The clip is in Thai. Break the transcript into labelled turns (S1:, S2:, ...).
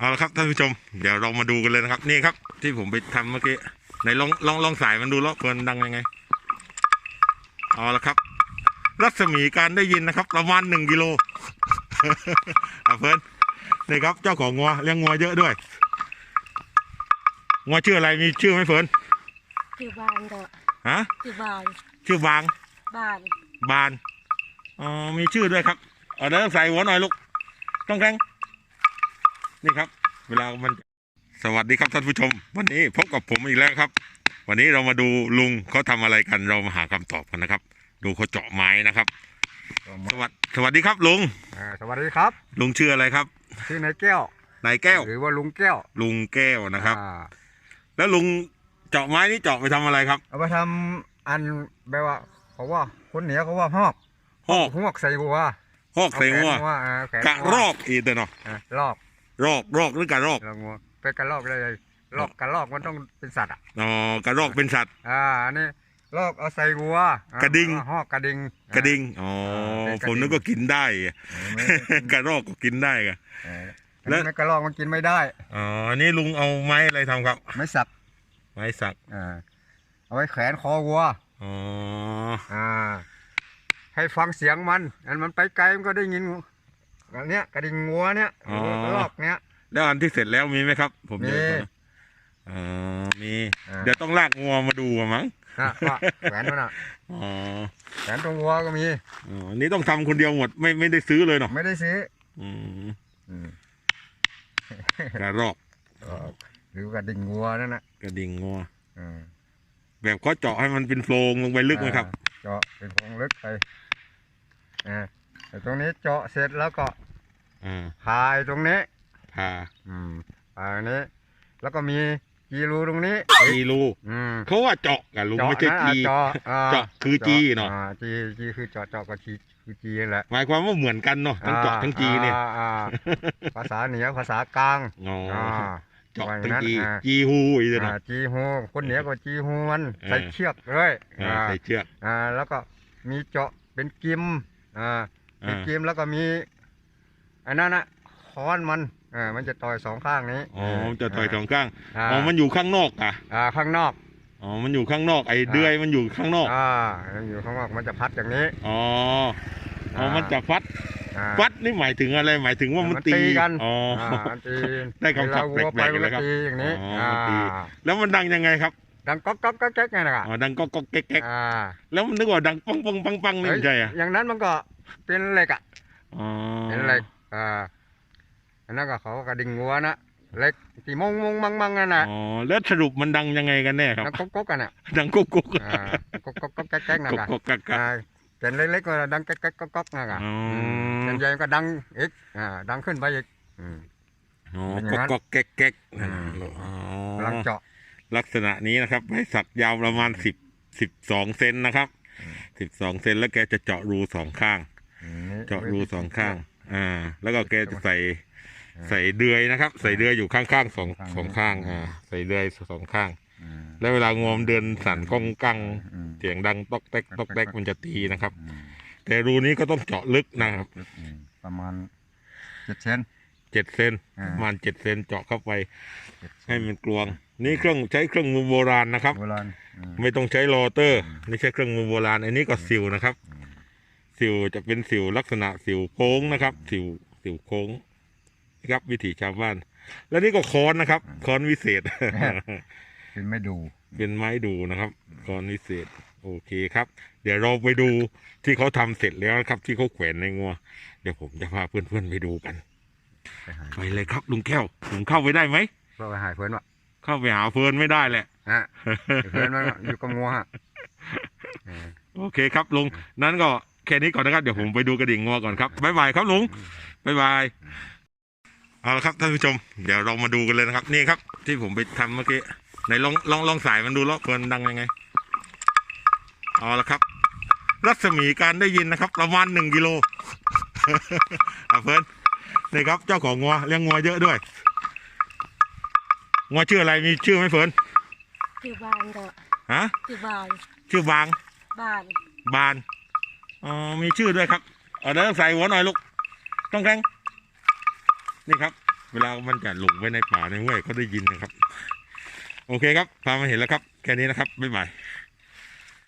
S1: เอาละครับท่านผู้ชมเดี๋ยวเรามาดูกันเลยนะครับนี่ครับที่ผมไปทำเมื่อกี้ในลองสายมันดูแล้วเพิ่นดังยังไงเอาละครับรัศมีการได้ยินนะครับประมาณ1 กิโล เพิ่นนี่ครับเจ้าของงัวเลี้ยงงัวเยอะด้วยงัวชื่ออะไรมีชื่อไหมเพิ่น
S2: ชื่อบานก็
S1: ฮะ
S2: ชื่อบาน
S1: ชื่อบาง
S2: บาน
S1: อ๋อมีชื่อด้วยครับเดี๋ยวใส่หัวหน่อยลูกต้องแรงนี่ครับเวลามันสวัสดีครับท่านผู้ชมวันนี้พบกับผมอีกแล้วครับวันนี้เรามาดูลุงเขาทำอะไรกันเรามาหาคำตอบกันนะครับดูเขาเจาะไม้นะครับสวัสดีครับลุง
S3: สวัสดีครับ
S1: ลุงชื่ออะไรครับ
S3: ชื่อนายแก้วน
S1: ายแก้ว
S3: หรือว่าลุงแก้ว
S1: นะครับแล้วลุงเจาะไม้นี่เจาะไปทำอะไรครับ
S3: เอาไปทำอันแบบว่าเขาว่าคนเหนือเขาว่าหอกใส่วัว
S1: หอกใส่วัวกะรอกอีกเนาะ
S3: รอก
S1: หรือกะรอก
S3: เป็นกระรอกเลยกระรอกมันต้องเป็นสัตว์
S1: อ๋อกระรอกเป็นสัตว์
S3: อันนี้รอกเอาใส่วัว
S1: กระดิ่ง
S3: หอกกระ
S1: ดิ่งอ๋อผมนึกว่ากินได้กระรอกก็กินได้กัน
S3: แล้วกระรอกมันกินไม่ได้
S1: อ๋ออันนี้ลุงเอาไม้อะไรทำครับ
S3: ไม้สักเอาไว้แขวนคอวัว
S1: อ๋อ
S3: ให้ฟังเสียงมันไปไกลมันก็ได้ยินอันเนี้ยกระดิ่งงัวเนี้ยกระรอกเนี้ย
S1: แล้วอันที่เสร็จแล้วมีไหมครับผมมีมีเดี๋ยวต้องลากงัวมาดูมั้ง
S3: แขวนมันแขวนตรงวัวก็มี
S1: อันนี้ต้องทำคนเดียวหมดไม่ได้ซื้อเลยเนาะ
S3: ไม่ได้ซื้
S1: อกระรอก
S3: หรือกระดิ่งงัวนั่นนะ
S1: กระดิ่งงัวแบบเขาเจาะให้มันเป็นโพรงลงไปลึกไหมครับ
S3: เจาะเป็นโพรงลึกไปแต่ตรงนี้เจาะเสร็จแล้วก็พายตรงนี้
S1: พา
S3: นี้แล้วก็มีจีรูตรงนี้
S1: จีรูเขาว่าเจาะกันลุงไม่ใช่จีเจาะคือจีเนาะ
S3: จีคือเจาะก็จีคือจีแหละ
S1: หมายความว่าเหมือนกันเนาะทั้งเจาะทั้งจีเนี่ย
S3: ภาษาเหนือภาษากลาง
S1: เจาะทั้งจีฮูอีกเนาะ
S3: จีฮูคนเหนือก็จีฮูมันใส่เชือกเลย
S1: ใส่เชือก
S3: แล้วก็มีเจาะเป็นกิมเป็นกิมแล้วก็มีอันนั้นนะค้อนมันจะต่อย2 ข้างนี้
S1: มันจะต่อย2 ข้างมันอยู่ข้างนอก
S3: ข้างนอก
S1: มันอยู่ข้างนอกไอ้เดือยมันอยู่ข้างนอก
S3: มันอยู่ข้างนอกมันจะพัดอย่างนี้
S1: มันจะฟัดนี่หมายถึงอะไรหมายถึงว่ามันตี
S3: กัน
S1: ได้คำศัพท์แปลกๆเลยครับ
S3: อย่างนี้
S1: แล้วมันดังยังไงครับ
S3: ดังก๊อกก๊อกแก๊กไงนะครับ
S1: ดังก๊อกก๊อกแก๊กแล้วมันนึกว่าดังปังปังปังปังนี่ใช่
S3: อย่างนั้นมันก็เป็นเหล็กเป็นเหล็กอันนั้นก็เขากระดิ่งงัวนะเล็กตีมงมังนั่นนะ
S1: แล้วสรุปมันดังยังไงกันแน่ครับ
S3: ดังก๊กกันอ่ะ
S1: ดังก๊กก๊
S3: กแก๊กนะครับเป็นเล็กๆก็ดังแก๊กก๊กนะครับเป็นใหญ่ก็ดังอีกดังขึ้นไปอีก
S1: ก๊กแก๊ก
S3: ลังเจาะ
S1: ลักษณะนี้นะครับไม้สักยาวประมาณ12 เซนนะครับ12 เซนแล้วแกจะเจาะรู2 ข้างเจาะรู2 ข้างแล้วก็แกจะใส่เดือยนะครับใส่เดือยอยู่ข้างๆสองข้างใส่เดือย2 ข้างแล้วเวลางวมเดินสั่นก้องกังเสียงดังตอกแตกมันจะตีนะครับแต่รูนี้ก็ต้องเจาะลึกนะครับ
S3: ประมาณ7 เซน
S1: ประมาณ7 เซนเจาะเข้าไปให้มันกลวงนี่ใช้เครื่องมือโบราณนะครับไม่ต้องใช้โรเตอร์นี่ใช้เครื่องมือโบราณอันนี้ก็สิวนะครับสิวจะเป็นสิวลักษณะสิวโค้งนะครับสิวโค้งครับวิถีชาวบ้านแล้วนี่ก็ค้อนนะครับค้อนวิเศษ
S3: เป็นไม้
S1: ดูนะครับค้อนวิเศษโอเคครับเดี๋ยวเราไปดูที่เขาทำเสร็จแล้วครับที่เขาแขวนในงัวเดี๋ยวผมจะพาเพื่อนๆไปดูกันไปเลยครับลุงแก้วผมเข้าไปได้ไหม
S3: เข้าไปหาเพื่อนวะ
S1: เข้าไปหาเพื่อนไม่ได้แหละ
S3: เพื่อนมันอยู่กับงัว
S1: โอเคครับลุงนั้นก็แค่นี้ก่อนนะครับเดี๋ยวผมไปดูกระดิ่งงัวก่อนครับบ๊ายบายครับลุงบ๊ายบายเอาละครับท่านผู้ชมเดี๋ยวเรามาดูกันเลยนะครับนี่ครับที่ผมไปทำเมื่อกี้ในลองสายมันดูแล้วเพิ่นดังยังไงเอาละครับรัศมีการได้ยินนะครับประมาณ1 กิโล เพิ่นนี่ครับเจ้าของงัวเลี้ยงงัวเยอะด้วยงัวชื่ออะไรมีชื่อไหมเพิ่น
S2: ชื่อบานก็ชื่
S1: อบางบานมีชื่อด้วยครับเดี๋ยวใส่หัวหน่อยลูกต้องแรงนี่ครับเวลามันจะหลงไปในป่าในห้วยเขาได้ยินนะครับ โอเคครับพามาเห็นแล้วครับแค่นี้นะครับบ๊ายบาย